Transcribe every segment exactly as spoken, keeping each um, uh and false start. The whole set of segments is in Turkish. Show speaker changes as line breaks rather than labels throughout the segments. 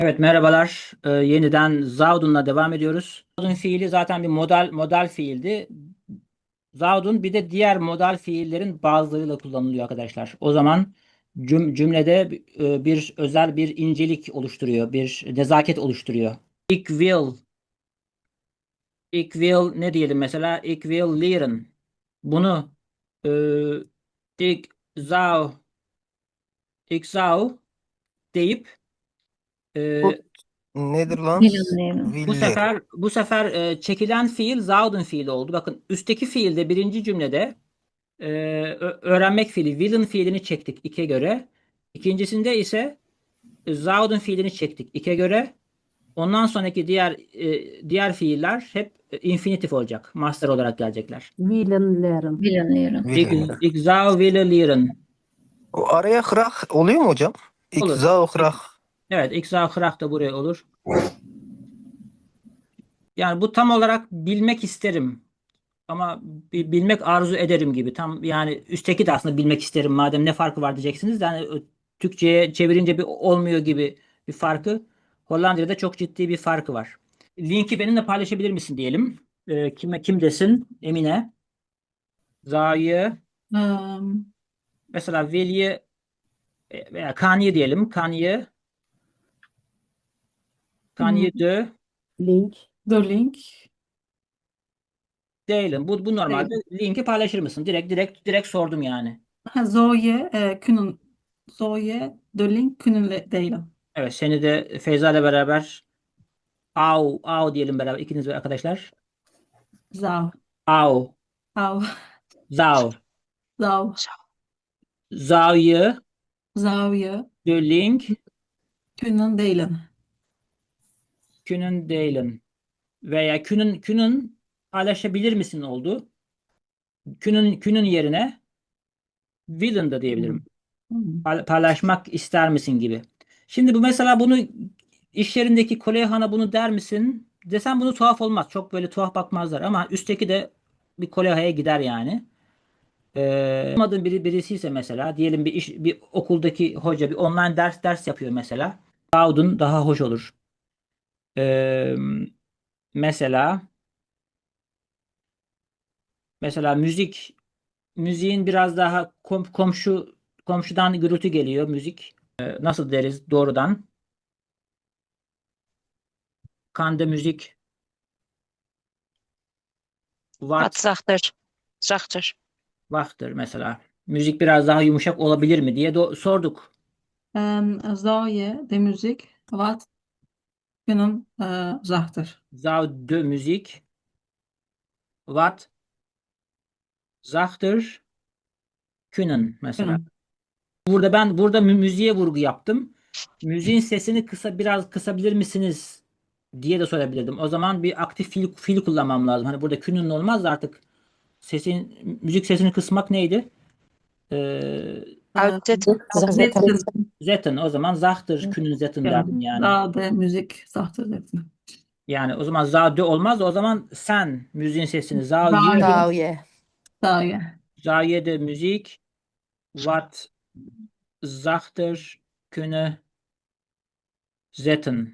Evet, merhabalar. Ee, yeniden Zaudun'la devam ediyoruz. Zaudun fiili zaten bir modal modal fiildi. Zaudun bir de diğer modal fiillerin bazılarıyla kullanılıyor arkadaşlar. O zaman cüm- cümlede e, bir özel bir incelik oluşturuyor, bir nezaket oluştururuyor. Ik will, ik will ne diyelim mesela? Ik will leren. Bunu e, ik zou, ik zou deyip
Bu
e,
nedir lan?
Planlayalım.
Bu
Villi.
sefer bu sefer e, çekilen fiil Zaud'un fiili oldu. Bakın üstteki fiilde birinci cümlede e, ö- öğrenmek fiili Will'in fiilini çektik ike göre. İkincisinde ise e, Zaud'un fiilini çektik ike göre. Ondan sonraki diğer e, diğer fiiller hep e, infinitif olacak. Master olarak gelecekler.
Willenlerim.
Planlayalım.
Ik,
Villi.
ik zou willen leren.
O araya hırak oluyor mu hocam?
Olur.
İkza hırak.
Ik- evet, ik zou graag da buraya olur. Yani bu tam olarak bilmek isterim. Ama bi- bilmek arzu ederim gibi. Tam yani üstteki de aslında bilmek isterim madem ne farkı var diyeceksiniz de hani ö- Türkçe'ye çevirince bir olmuyor gibi bir farkı. Hollanda'da çok ciddi bir farkı var. Linki benimle paylaşabilir misin diyelim. Ee, kime kim desin? Emine. Za'yı
Um,
mesela Veli'yi e, veya Kanye diyelim. Kanye
hmm,
Kanye de
Link.
the link.
değilim. Bu, bu normalde
Değil.
linki paylaşır mısın? Direkt direkt direkt sordum yani.
Ha, Zoe e, kunnen. Zoe the link kunnen le- delen.
Evet, seni de Feyza ile beraber Au, au diyelim beraber ikiniz ve arkadaşlar.
Zou.
Au,
Au.
zou.
Zou.
Zou je
Zou je
de link
kunnen delen.
kunnen delen? Veya kunnen, kunnen paylaşabilir misin oldu. Kunnen, kunnen yerine willen da
Hmm.
diyebilirim.
Hmm.
Pay- Paylaşmak ister misin gibi. Şimdi bu mesela bunu iş yerindeki Koleyhan'a bunu der misin? Desem bunu tuhaf olmaz. Çok böyle tuhaf bakmazlar ama üstteki de bir Koleyha'ya gider yani. Ee, olmadığın biri birisi ise mesela diyelim bir iş bir okuldaki hoca bir online ders ders yapıyor mesela. Cloud'un daha hoş olur. Ee, mesela mesela müzik müziğin biraz daha kom- komşu komşudan gürültü geliyor müzik. Ee, nasıl deriz doğrudan? Kande müzik
Wat
what
zachter. Zachter.
vaktır mesela. Müzik biraz daha yumuşak olabilir mi diye do- sorduk.
Um, zou je de muziek wat kunnen uh, zachter?
Zou de müzik wat zachter können mesela.
Kunnen.
Burada ben burada mü- müziğe vurgu yaptım. Müziğin sesini kısa biraz kısabilir misiniz diye de sorabilirdim. O zaman bir aktif fiil, fiil kullanmam lazım. Hani burada künün olmaz da artık sesin müzik sesini kısmak neydi? Ee,
Uh,
Uitzetten.
Zaten.
zetten.
zetten o zaman zahtır künün zetten derdim
Kunnen.
yani.
Zou de muziek zachter zetten.
Yani o zaman zade olmaz da o zaman sen müziğin sesini za
Zou
ye
je.
Sağ ye.
Zou je.
za ye de müzik wat zachter künne zetten.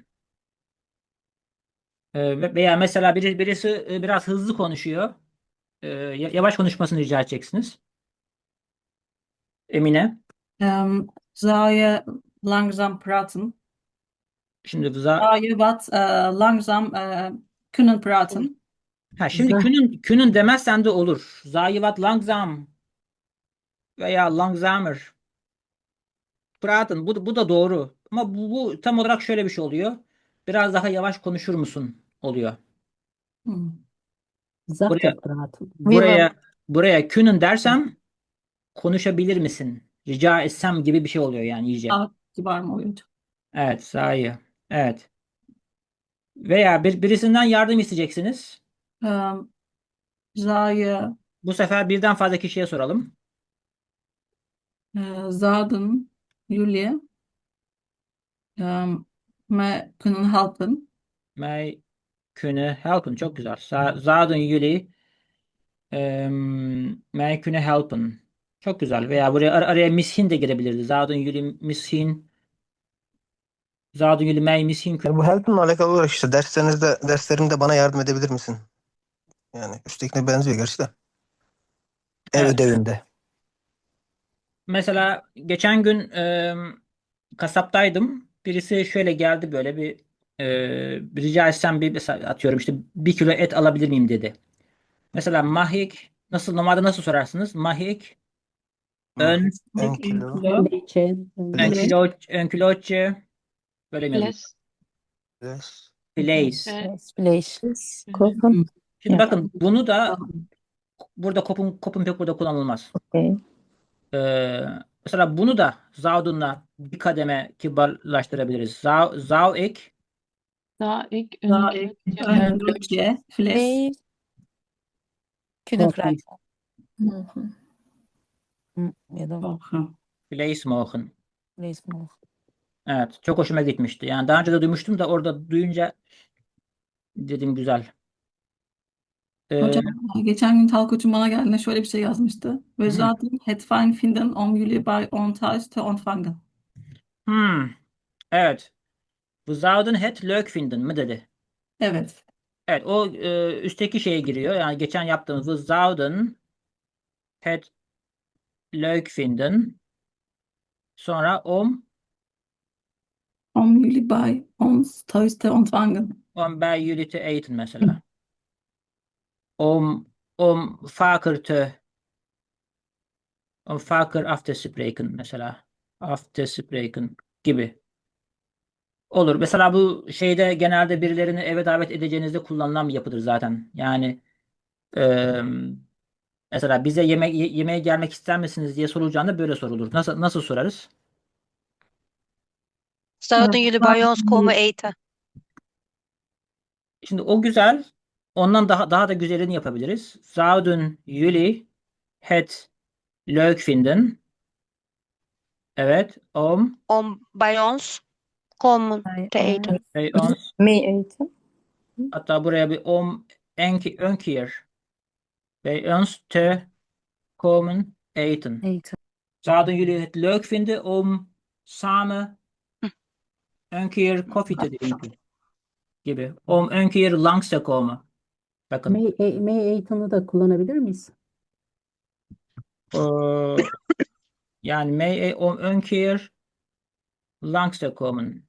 Ee, veya mesela biri, birisi e, biraz hızlı konuşuyor. Ee, ya- yavaş konuşmasını rica edeceksiniz. Emine.
Um, zou je langzaam praten?
Şimdi za
Zou je wat uh, langzaam uh, kunnen praten?
ha şimdi
Za.
künün künün demezsen de olur. Zayivat langsam veya langsamer. Praten bu, bu da doğru. Ama bu, bu tam olarak şöyle bir şey oluyor. Biraz daha yavaş konuşur musun oluyor.
Hmm.
Zachter
Buraya
praten.
Willem.
buraya buraya künün dersem konuşabilir misin? Rica etsem gibi bir şey oluyor yani iyice.
Ah, kibar mı oluyordu?
Evet, sahi. Evet. Veya bir, birisinden yardım isteyeceksiniz.
Um, zou je
Bu sefer birden fazla kişiye soralım.
uh, zouden jullie um, me kunnen helpen?
Mij kunnen helpen. Çok güzel. Za- Zouden jullie em, mij kunnen helpen? Çok güzel. Veya buraya ar- araya mishin de girebilirdi. Zouden jullie misschien Zouden jullie mij misschien
Yani
kunnen...
bu help'inle alakalı olarak işte derslerinizde derslerimde bana yardım edebilir misin? Yani üsttekine benziyor gerçi de. Ev
Evet.
ödevinde.
Mesela geçen gün e, kasaptaydım. Birisi şöyle geldi, böyle bir e, rica etsem bir mesela atıyorum işte bir kilo et alabilir miyim dedi. Mesela mahik nasıl, normalde nasıl sorarsınız? Mahik ön
Mahit ön
Dik en
kilo.
kilo.
Leche.
ön
Fleş.
kilo ön kiloçe böyle mi yazıyor?
Fles.
Fleş.
Place.
Eh,
Fleş.
fles.
Kopen.
Şimdi
Ya.
bakın bunu da burada kopun kopun pek burada kullanılmaz.
Okey.
Ee, mesela bunu da Zaudun'la bir kademe kibarlaştırabiliriz. Zou, zou ik
Zou ik
Daha
een
ek,
keertje
ön
Ön
kilootje, fles.
Wij kunnen
Kopen.
vragen.
Mogen.
Hı, ya da
Mogen.
vlees mogen.
vlees mogen.
Evet, çok hoşuma gitmişti. Yani daha önce de duymuştum da orada duyunca dedim güzel. Ee,
Hocam geçen gün Talkoç'un bana geldiğinde şöyle bir şey yazmıştı.
Hı.
We zouden het fijn vinden om jullie bij ons thuis te ontvangen.
hmm, evet. Bu zouden het leuk vinden mi dedi.
Evet.
Evet, o e, üstteki şeye giriyor. Yani geçen yaptığımız bu zouden het leuk vinden. Sonra om
Om jullie bij ons thuis te ontvangen.
om bij jullie te eten mesela. Om om vaker te om vaker af te spreken mesela. Af te spreken gibi. Olur. Mesela bu şeyde genelde birilerini eve davet edeceğinizde kullanılan bir yapıdır zaten. Yani eee, mesela bize yemek ye- yemeğe gelmek ister misiniz diye sorulacağında böyle sorulur. Nasıl nasıl sorarız?
Zouden jullie bij ons komen eten?
Şimdi o güzel. Ondan daha daha da güzelini yapabiliriz. Zouden jullie het leuk vinden? Evet. Om
Om bij ons komen
Bij
te eten.
ons
bij ons.
mee eten.
Hatta buraya bir om en, ki- ön keer bij ons te komen eten.
Eten.
Zouden jullie het leuk vinden om samen
Hm.
een keer koffie te drinken? Gibi. Om een keer langs te komen. Bakın.
May, e, may eğitimi da kullanabilir miyiz?
Ee, yani mee om een keer langs te komen.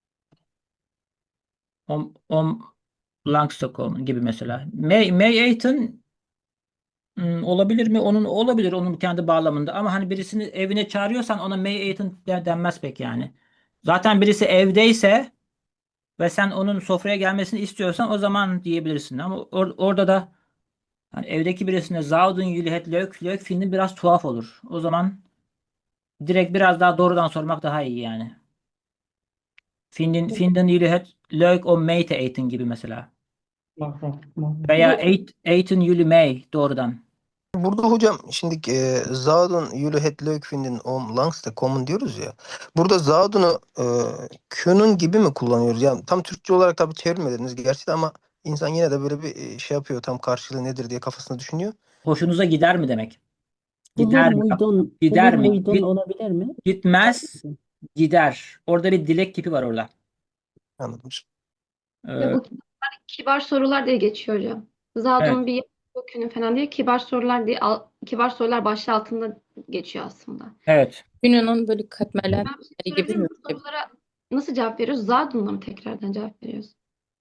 Om, om langs te komen gibi mesela. May, may eten hmm, olabilir mi? Onun olabilir onun kendi bağlamında. Ama hani birisini evine çağırıyorsan ona may eten de- denmez pek yani. Zaten birisi evdeyse ve sen onun sofraya gelmesini istiyorsan o zaman diyebilirsin. Ama or- orada da hani evdeki birisine Zouden jullie het leuk, leuk vinden biraz tuhaf olur. O zaman direkt biraz daha doğrudan sormak daha iyi yani. Vinden, vinden jullie het leuk om mee te eten gibi mesela. Veya eat, eten jullie mee doğrudan.
Burada hocam şimdi e, Zouden jullie het leuk vinden om langs te komen diyoruz ya. Burada Zouden'ı e, können gibi mi kullanıyoruz? Yani tam Türkçe olarak tabii çevirmediniz gerçi de ama insan yine de böyle bir e, şey yapıyor. Tam karşılığı nedir diye kafasında düşünüyor.
Hoşunuza gider mi demek?
Bulur
Gider mi?
muydun?
Gider
Bulur
mi?
muydun
Git,
olabilir mi?
gitmez, gider. Orada bir dilek tipi var orada.
Anladım.
Ee,
Ya bu kibar, kibar sorular diye geçiyor hocam.
evet.
Zadun bir kökünü falan diye kibar sorular diye al- kibar sorular başlığı altında geçiyor aslında.
Evet.
Gününün böyle katmerler
Ben bir şey
gibi
sorabilir
mi?
miyim? Bu sorulara nasıl cevap veriyoruz? Zadun'la mı tekrardan cevap veriyoruz?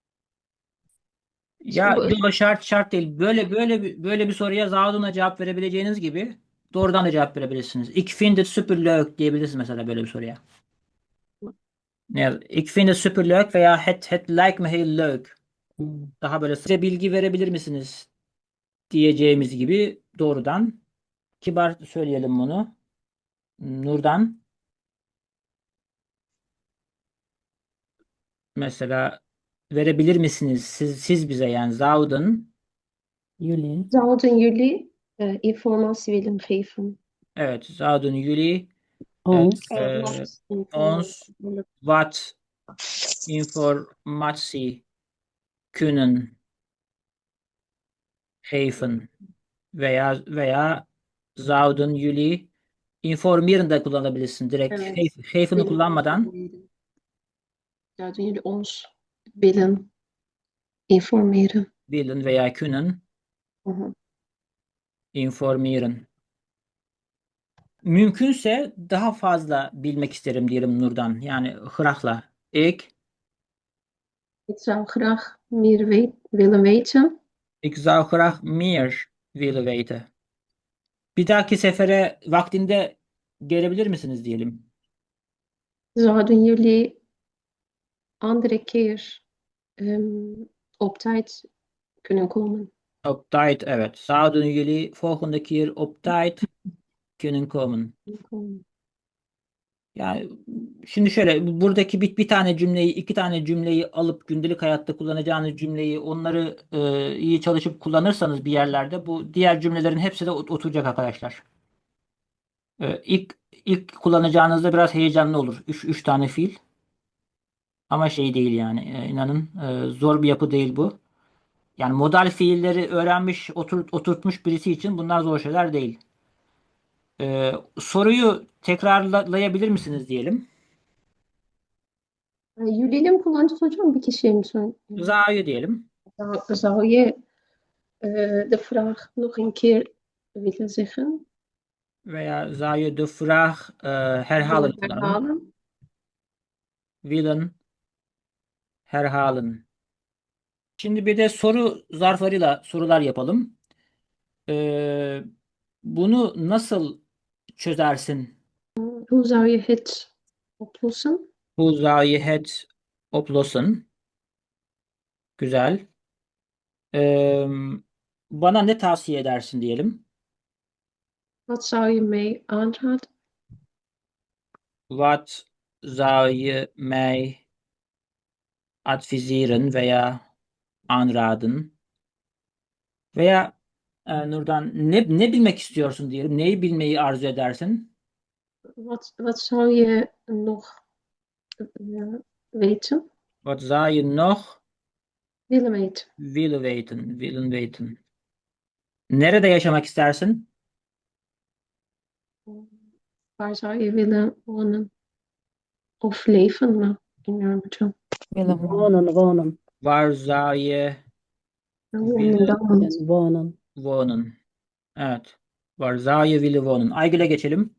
Ya
bu-
yok, şart şart değil. Böyle böyle bir- böyle bir soruya Zaudun'a cevap verebileceğiniz gibi doğrudan da cevap verebilirsiniz. Ik vind het superleuk diyebilirsiniz mesela böyle bir soruya. Ne yaz- Ik vind het superleuk veya het het lijkt me heel leuk. Daha böyle size bilgi verebilir misiniz diyeceğimiz gibi doğrudan kibar söyleyelim bunu. Nurdan mesela verebilir misiniz siz siz bize yani Zaudun,
Yuli.
Zouden jullie eh, informatie willen geven?
evet Zaudun jullie
Ons.
e, ons wat informatie kunnen geven veya veya zouden jullie informieren de kullanabilirsin direkt.
Evet.
Geef- Geven'i kullanmadan
zouden jullie ons willen informeren?
Willen veya können
Mhm.
informieren. Mümkünse daha fazla bilmek isterim diyelim Nur'dan. Yani graagla. Ik,
Ik zou graag meer weet, willen weten.
ik zou graag meer willen weten. Bir dahaki sefere vaktinde gelebilir misiniz diyelim.
Zouden jullie andere keer ehm, op tijd kunnen komen?
Op tijd, evet. Zouden jullie volgende keer op tijd kunnen komen?
Komen.
Yani şimdi şöyle buradaki bir, bir tane cümleyi, iki tane cümleyi alıp gündelik hayatta kullanacağınız cümleyi onları e, iyi çalışıp kullanırsanız bir yerlerde bu diğer cümlelerin hepsi de ot- oturacak arkadaşlar. E, ilk ilk kullanacağınızda biraz heyecanlı olur. Üç, üç tane fiil. Ama şey değil yani e, inanın e, zor bir yapı değil bu. Yani modal fiilleri öğrenmiş, otur, oturtmuş birisi için bunlar zor şeyler değil. E, soruyu tekrarlayabilir misiniz diyelim.
Eh, Jullie mi kullanacağız hocam? Bir kişiye mi söyle?
Za'yı diyelim.
Zou, zou je eh, de vraag nog een keer willen zeggen?
Veya Za'yı de vraag e, herhalen
Willen
kullanalım.
herhalen?
Willen herhalen. Şimdi bir de soru zarflarıyla sorular yapalım. E, bunu nasıl çözersin?
Hoe zou je het oplossen?
Bu Za'yı het oplossen. Güzel. E, bana ne tavsiye edersin diyelim.
Wat zou je mij aanraden?
Wat zou je mij adviseren veya aanraden? Veya e, Nurdan ne, ne bilmek istiyorsun diyelim. Neyi bilmeyi arzu edersin?
Wat, wat zou je nog eh, weten?
Wat zou je nog
Willen weten?
willen weten? Willen weten. Nerede yaşamak istersin?
Waar zou je willen wonen? Of leven mı? Bilmiyorum hocam.
Willen
Wonen, wonen.
Waar zou je
Wonen dan.
Yani wonen.
wonen? Evet. Waar zou je willen wonen? Aygül'e geçelim.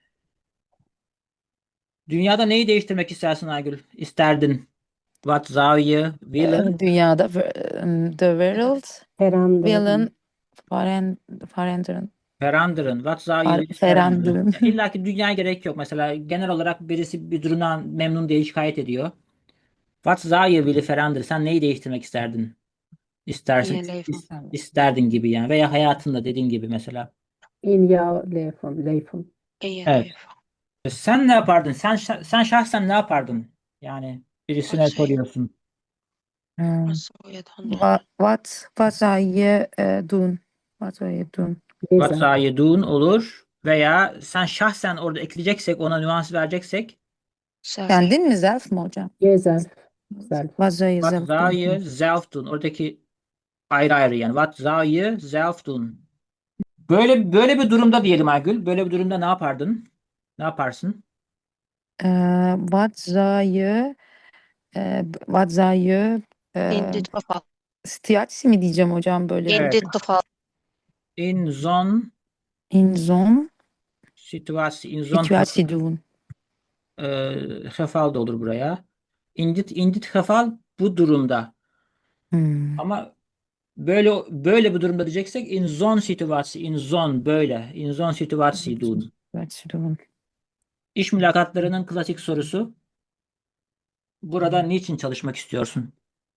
Dünyada neyi değiştirmek istersin Aygül? İsterdin. Wat zou je willen?
Ee, Dünyada ver- em, the world
Veranderen.
willen veren- veranderen.
Veranderen. Wat zou je
Ver-
willen veranderen?
veranderen.
Ya İlla ki dünyaya gerek yok. Mesela genel olarak birisi bir durumdan memnun değil, şikayet ediyor. Wat zou je willen veranderen? Sen neyi değiştirmek isterdin? İstersin,
İyi leven.
is- isterdin gibi yani. Veya hayatında dediğin gibi mesela.
In jouw leven. Leven.
İyi
Evet.
leven.
Sen ne yapardın? Sen şa- sen şahsen ne yapardın? Yani birisine
Wat zou je-
soruyorsun.
Hmm.
wat zou je dan doen?
Wat, wat, wat zou je eh, doen? Wat zou je doen?
What
Gezen.
zou je doen olur. Veya sen şahsen orada ekleyeceksek, ona nüans vereceksek
Zelf.
Kendin mi zelf mi hocam?
Jezelf. Zelf.
Wat zou je
what
zelf
zou
doen?
je zelf doen? Oradaki ayrı ayrı yani. What zou je zelf doen? Böyle böyle bir durumda diyelim Aygül. Böyle bir durumda ne yapardın? Ne yaparsın?
Eh, wat zou je eh, b- wat zou je eh,
In dit geval.
situatie mi diyeceğim hocam böyle
In
Evet.
dit geval.
In zo'n
in zo'n
situatie, in zo'n
situatie doen?
e, geval da olur buraya. In dit, in dit geval bu durumda.
Hmm.
Ama böyle böyle bir durumda diyeceksek in zo'n situatie, in zo'n böyle, in zo'n situatie doen.
Situatie doen.
İş mülakatlarının klasik sorusu. Burada niçin çalışmak istiyorsun?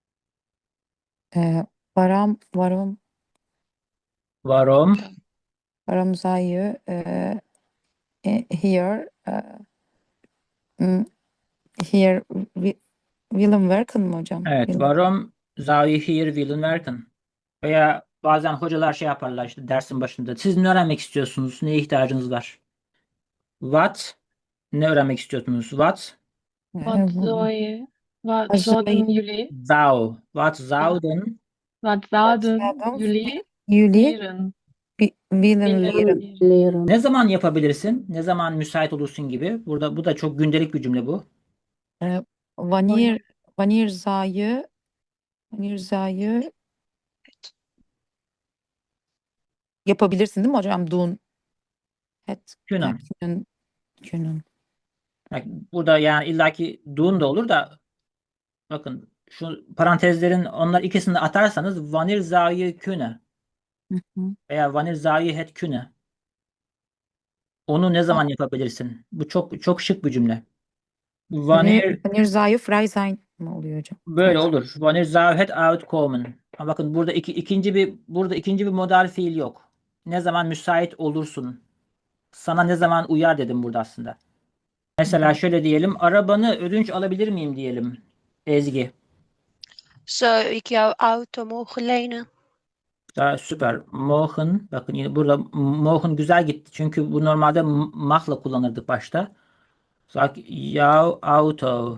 Eh, waarom, waarom,
Waarom?
waarom zou je eh, eh, hier, eh, mm, hier wi- willen werken mi hocam?
Evet,
Willen-
waarom zou je hier willen werken? Veya bazen hocalar şey yaparlar işte dersin başında. Siz ne öğrenmek istiyorsunuz? Neye ihtiyacınız var? What? Ne öğrenmek istiyorsunuz? What?
Eh,
Wat zou je, wat
Wat zou
zouden jullie,
Zou. What zouden
wat zouden
zouden
jullie
jullie
leren?
wi- willen
Willen
leren?
leren.
Leren.
ne zaman yapabilirsin? Ne zaman müsait olursun gibi. Burada bu da çok gündelik bir cümle bu.
Eh, wanneer, wanneer zou je, wanneer zou je yapabilirsin değil mi hocam? Doen. Het
Kunnen.
kunnen. Kunnen.
Bak, burada yani illaki doen da olur da bakın şu parantezlerin onlar ikisini de atarsanız wanneer zou je kunnen
Hı hı.
veya wanneer zou je het kunnen. Onu ne zaman yapabilirsin? Bu çok çok şık bir cümle.
Wanneer,
Wanneer
wanneer zou je vrij zijn mı oluyor hocam?
böyle
Vrij.
olur. Wanneer zou het uitkomen. Ama bakın burada iki, ikinci bir burada ikinci bir modal fiil yok. Ne zaman müsait olursun? Sana ne zaman uyar dedim burada aslında. Mesela şöyle diyelim. Arabanı ödünç alabilir miyim diyelim. Ezgi.
Zou ik jouw auto mogen lenen?
Daha süper. Mogen. Bakın yine burada mogen güzel gitti. Çünkü bu normalde m- mahla kullanırdık başta. Sag jouw auto.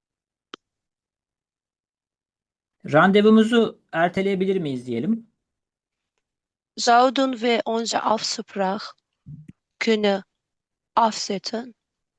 Randevumuzu erteleyebilir miyiz diyelim.
Zouden we onze afspraak kunnen afzetten?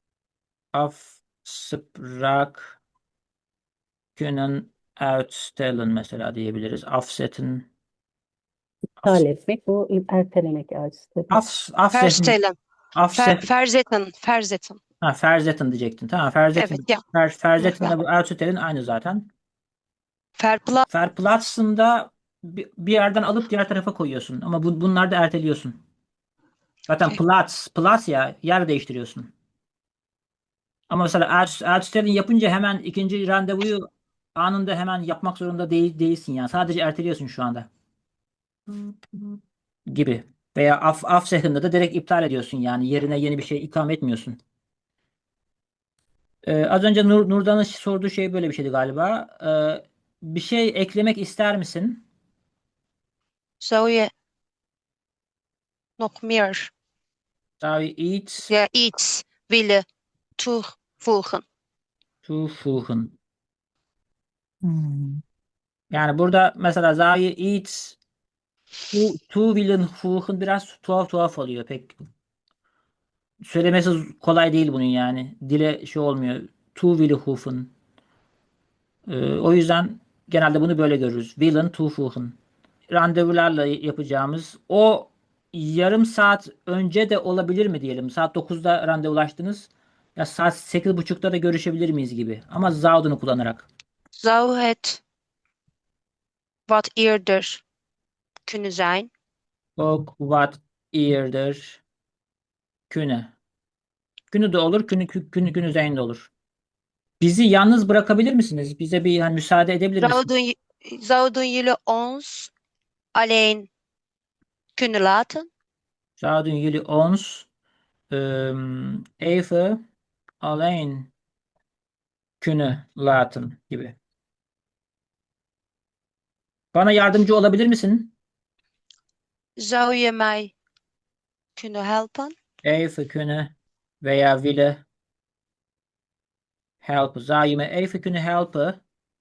Afspraak kunnen uitstellen mesela diyebiliriz. Afzetten.
İptal etmek, bu ertelemek açısı.
Af, afzetten.
Verstellen. Ver,
Afzet,
verzetten. Verzetten.
ha, verzetten diyecektin. Tamam, verzetten.
Evet ya.
Ver, verzettenle
Ya.
bu uitstellen aynı zaten.
Verpla
Verplaatsen da bir, bir yerden alıp diğer tarafa koyuyorsun. Ama bu, bunları da erteliyorsun. Zaten
Okey.
plaats, plaats ya yer değiştiriyorsun. Ama mesela uit- uitstellen yapınca hemen ikinci randevuyu anında hemen yapmak zorunda değil, değilsin yani. Sadece erteliyorsun şu anda. Gibi. Veya af, afzeggende da direkt iptal ediyorsun yani. Yerine yeni bir şey ikame etmiyorsun. Ee, az önce Nur, Nurdan'ın sorduğu şey böyle bir şeydi galiba. Ee, bir şey eklemek ister misin?
zou je nog meer
Zou je iets
ja, iets willen toevoegen?
toevoegen?
Hmm.
Yani burada mesela zou je iets toe, toe willen voegen biraz tuhaf tuhaf oluyor. Pek söylemesi kolay değil bunun yani. Dile şey olmuyor. Toe willen voegen. Ee, o yüzden genelde bunu böyle görürüz. Willen toevoegen. Randevularla yapacağımız o yarım saat önce de olabilir mi diyelim. Saat dokuzda randevulaştınız. Ya saat sekiz buçukta da görüşebilir miyiz gibi. Ama zouden kullanarak.
Zou het wat eerder kunnen zijn?
Ook wat eerder kunnen. Günü de olur, günü, günü, günü zijn de olur. Bizi yalnız bırakabilir misiniz? Bize bir hani müsaade edebilir misiniz?
Zouden, j- zouden jullie ons alleen kunnen laten?
Zouden jullie ons ehm, even alleen kunnen laten gibi. Bana yardımcı olabilir misin?
Zou je mij kunnen helpen?
Even kunnen veya willen helpen. Zou je me even kunnen helpen?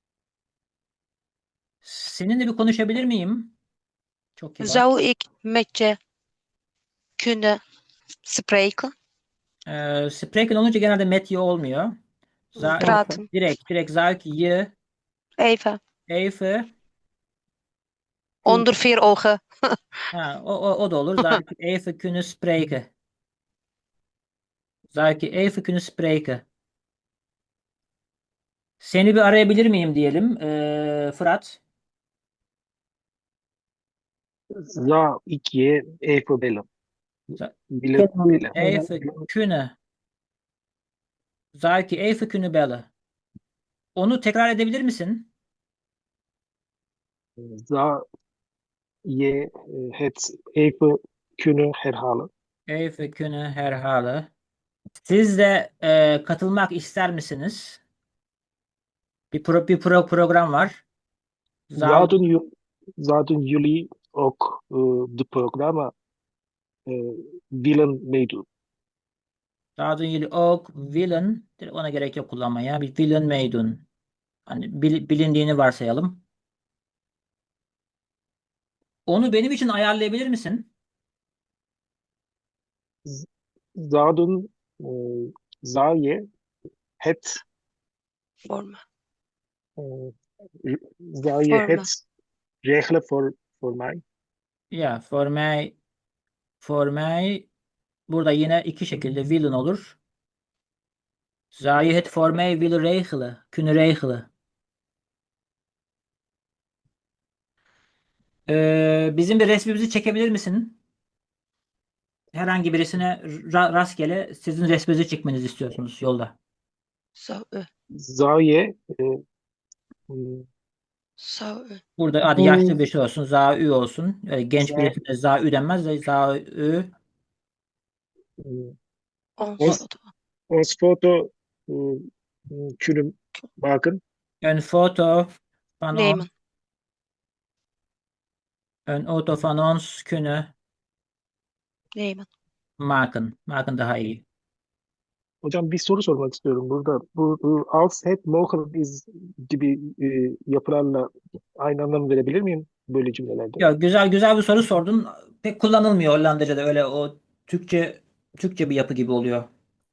Seninle bir konuşabilir miyim? Çok kibar.
Zou ik met je kunnen spreken?
Ee, spreken olunca genelde met je olmuyor. Za-
Praten.
direkt, direkt zou ik je
Even.
even
Onder vier ogen.
ha, o, o, o da olur. Zou ik je even kunnen spreken? Zou ik je even kunnen spreken? Seni bir arayabilir miyim diyelim. Ee, Fırat.
Zou ik je even bellen?
Za-
Willen
Kenan,
bellen.
Even kunnen. Zou ik je even kunnen bellen? Onu tekrar edebilir misin?
Zou je eh, het even kunnen herhalen?
Even kunnen herhalen. Siz de e, katılmak ister misiniz? Bir, pro, bir pro, program var. Zou,
Zouden, ju- zouden jullie ook eh, de programma eh, willen meedoen?
zouden jullie ook willen, ona gerek yok kullanmaya, bir willen meedoen. Hani bil- bilindiğini varsayalım. Onu benim için ayarlayabilir misin?
Zouden, eh, zou je het
Voor me.
uh, zou je
Forma.
het regelen voor, voor mij?
Ya for mij for mij burada yine iki şekilde willen olur. Zou je het voor mij willen regelen? Kunnen regelen. Ee, bizim bir resmimizi çekebilir misin? Herhangi birisine ra- rastgele sizin resminizi çekmenizi istiyorsunuz yolda.
Zou u.
Zou je uh, mm,
Zou u.
Burada hadi
bu
yaşlı bir şey olsun. Zaü olsun. Öyle genç
za,
birisine zaü denmez de zaü.
mm,
Ons
ons,
foto.
ons foto uh, mm, kunnen maken?
Een foto van ons.
Nemen.
Een auto van ons kunnen
Nemen.
maken. Maken daha iyi.
Hocam bir soru sormak istiyorum burada. Bu, bu als het mogelijk is gibi e, yapılarla aynı anlam verebilir miyim böyle cümlelerde?
Ya güzel güzel bir soru sordun. Pek kullanılmıyor Hollandaca'da öyle o Türkçe Türkçe bir yapı gibi oluyor.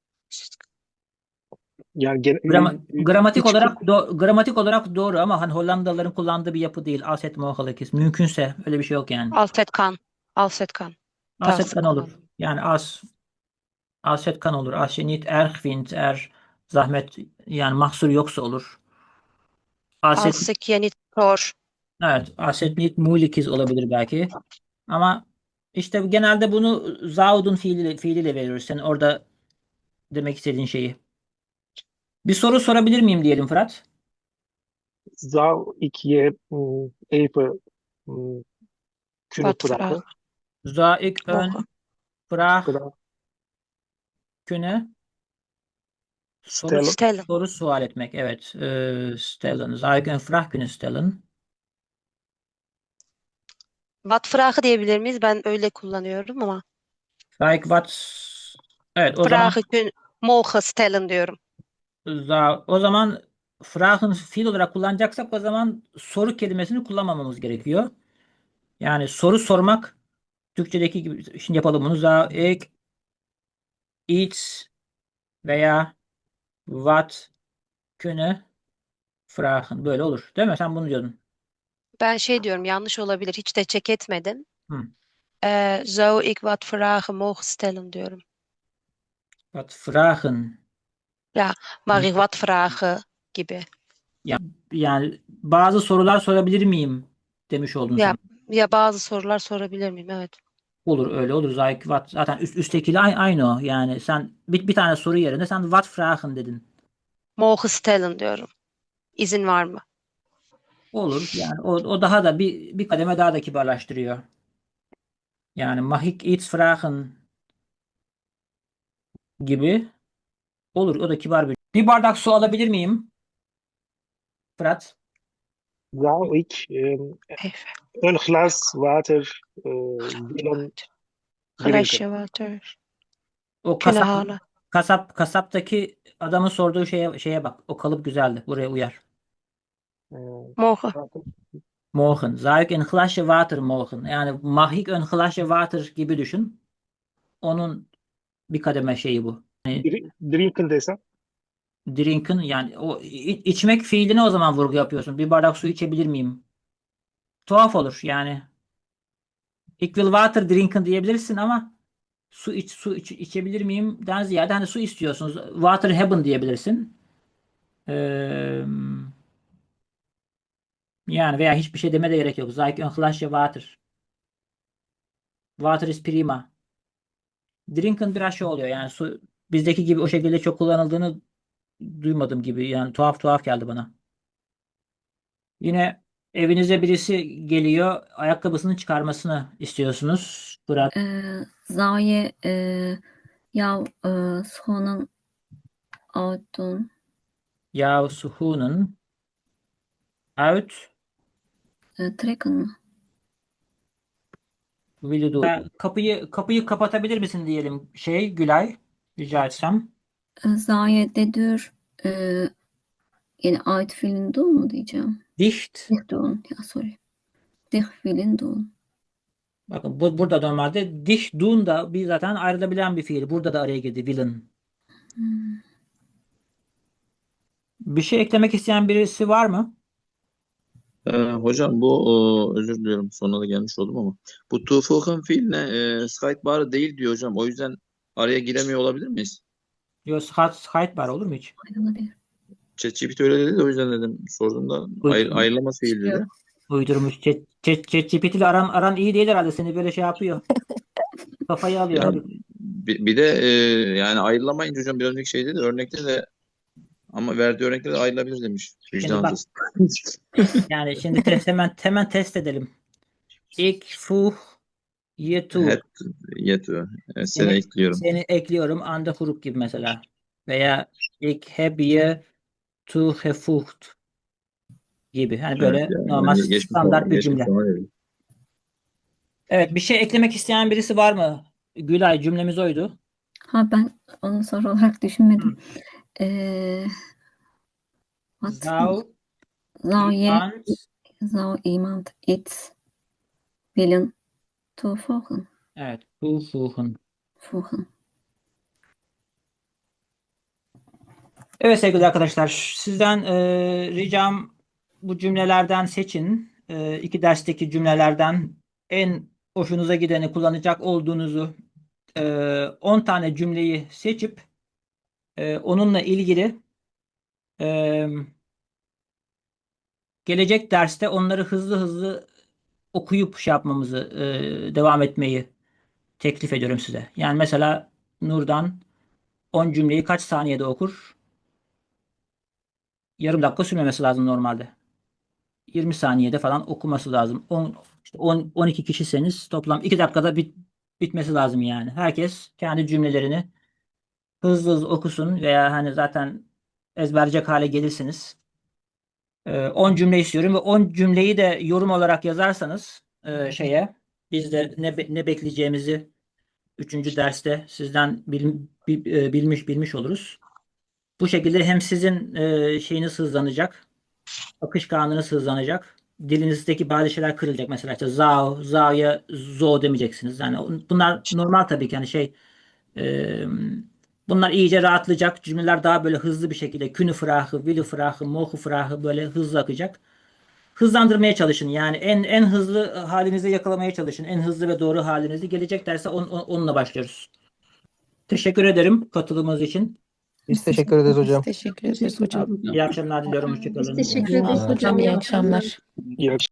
Yani gen,
Grama-
e,
gramatik
iç-
olarak do- gramatik olarak doğru ama hani Hollandalıların kullandığı bir yapı değil. Als het mogelijk is. Mümkünse öyle bir şey yok yani.
Als het kan. Als het kan.
Als het
Tavsiye
kan olur. Yani als als het kan olur. Als je niet erg vindt, eğer zahmet yani mahsur yoksa olur. Als het,
Als ik je niet hoor.
evet, als het niet moeilijk is olabilir belki. Ama işte genelde bunu zouden fiiliyle, fiiliyle veriyoruz. Sen orada demek istediğin şeyi. Bir soru sorabilir miyim diyelim Fırat?
zou ik je mm, even mm, kunnen
Wat vragen?
vragen?
Zou ik een
Mogen.
vraag
Vraag
kunnen? Soru,
stellen.
Stellen.
soru sual etmek. Evet. Ee, stellen. Zou ik een vraag kunnen stellen?
Wat vragen diyebilir miyiz? Ben öyle kullanıyorum ama.
Zou ik wat... Evet, o zaman
Vragen kun, mogen stellen diyorum.
za- o zaman vragen fiil olarak kullanacaksak o zaman soru kelimesini kullanmamamız gerekiyor. Yani soru sormak Türkçedeki gibi. Şimdi yapalım bunu. Zou ik iets veya wat kunnen vragen. Böyle olur. Değil mi? Sen bunu diyordun.
Ben şey diyorum, yanlış olabilir. Hiç de check etmedim.
Hı.
Ee, zou ik wat vragen mogen stellen diyorum.
Wat vragen.
Mag ik wat vragen gibi.
Yani bazı sorular sorabilir miyim demiş oldun
Ya,
sen.
ya bazı sorular sorabilir miyim? Evet.
Olur öyle olur. Zou ik wat zaten üst, üsttekiyle aynı, aynı o. Yani sen bir, bir tane soru yerine sen what vragen dedin.
Mogen stellen diyorum. İzin var mı?
Olur. Yani o, o daha da bir, bir kademe daha da kibarlaştırıyor. Yani mag ik iets vragen gibi olur. O da kibar bir. Bir bardak su alabilir miyim? Fırat.
Zou ik um,
Even.
een glas water uh, willen
Glaasje
drinken?
water.
O
Kunnen
kasap
halen.
kasap kasaptaki adamın sorduğu şeye şeye bak. O kalıp güzeldi. Buraya uyar.
Uh,
Mogen.
Morgen. Zou ik een glasje water mogen? Yani mag ik een glasje water gibi düşün. Onun bir kademe şeyi bu.
dri- drinken desem?
Drinken yani o i- içmek fiiline o zaman vurgu yapıyorsun. Bir bardak su içebilir miyim? Tuhaf olur yani. Ik wil water drinken diyebilirsin ama su iç su iç, içebilir miyim? Den ziyade hani su istiyorsunuz. Water hebben diyebilirsin. Ee, yani veya hiçbir şey deme de gerek yok. Zou ik een glasje water. Water is prima. Drinken biraz şey oluyor yani su bizdeki gibi o şekilde çok kullanıldığını duymadım gibi yani tuhaf tuhaf geldi bana. Yine evinize birisi geliyor ayakkabısını çıkarmasını istiyorsunuz. Fırat.
Ee, zou je eh, jouw eh, schoenen uitdoen?
Ya suhunun uit
Eh, trekken mi?
vücudu. Kapıyı kapıyı kapatabilir misin diyelim şey Gülay rica etsem.
Eh, zou je de deur eh, yani uit willen doen mu diyeceğim?
Dicht.
Dicht doen. Ja, sorry. Dicht willen doen.
Bakın bu, burada normalde dicht doen da bir zaten ayrılabilen bir fiil. Burada da araya girdi willen.
Hmm.
Bir şey eklemek isteyen birisi var mı?
Ee, hocam bu e, özür diliyorum sonuna da gelmiş oldum ama bu Tuğfuk'un fiiline e, Skype değil diyor hocam. O yüzden araya giremiyor olabilir miyiz?
Yo, Skype, Skype var olur mu hiç?
Ayrılabilir.
ChatGPT öyle dedi de o yüzden dedim sordum da ayır,
Uydur,
ayrılamaz fiil dedi.
uydurmuş. Chat, chat, ChatGPT ile aran, aran iyi değil herhalde. Seni böyle şey yapıyor. Kafayı alıyor.
Ya
Hadi.
bir, bir de e, yani ayrılamayınca hocam bir önceki şey dedi örnekte de ama verdiği örnekte de ayrılabilir demiş.
Şimdi bak,
Vicdansız.
yani şimdi test, hemen hemen test edelim. Ik fuh yetu.
Het yetiyor. Evet, seni
Seni,
ekliyorum.
seni ekliyorum. Anda huruf gibi mesela. Veya ik heb je toegevoegd gibi. Hani
Evet,
böyle
yani,
normal
yani geçmiş
standart bir
geçmiş
cümle.
ona dedi.
Evet, bir şey eklemek isteyen birisi var mı? Gülay, cümlemiz oydu.
Ha ben onu soru olarak düşünmedim. Ee, what?
Zou
Zou je,
iemand
zou iemand iets willen toevoegen?
evet, toevoegen.
Voegen.
Evet sevgili arkadaşlar, sizden e, ricam bu cümlelerden seçin. E, iki dersteki cümlelerden en hoşunuza gideni kullanacak olduğunuzu e, on tane cümleyi seçip e, onunla ilgili e, gelecek derste onları hızlı hızlı okuyup şey yapmamızı, e, devam etmeyi teklif ediyorum size. Yani mesela Nurdan on cümleyi kaç saniyede okur? Yarım dakika sürmemesi lazım normalde. yirmi saniyede falan okuması lazım. on, işte on, on iki kişiseniz toplam iki dakikada bit, bitmesi lazım yani. Herkes kendi cümlelerini hızlı hızlı okusun veya hani zaten ezberleyecek hale gelirsiniz. Ee, on cümle istiyorum ve on cümleyi de yorum olarak yazarsanız e, şeye biz de ne, be- ne bekleyeceğimizi üçüncü derste sizden bil- bil- e, bilmiş bilmiş oluruz. Bu şekilde hem sizin e, şeyiniz hızlanacak, akışkanlığınız hızlanacak. Dilinizdeki bazı şeyler kırılacak. Mesela işte zao, zao'ya zo demeyeceksiniz. Yani bunlar normal tabii ki. Yani şey e, bunlar iyice rahatlayacak. Cümleler daha böyle hızlı bir şekilde künü frahı, wilü frahı, mohu frahı böyle hızlı akacak. Hızlandırmaya çalışın. Yani en en hızlı halinizi yakalamaya çalışın. En hızlı ve doğru halinizi. Gelecek derse on, on- onunla başlıyoruz. Teşekkür ederim katılımınız için.
Biz teşekkür ederiz hocam.
Teşekkür ederiz hocam.
İyi akşamlar diliyorum.
Biz
Hoşçakalın.
teşekkür
Sağ
ederiz
olun
hocam.
hocam. İyi
İyi akşamlar.
akşamlar.
İyi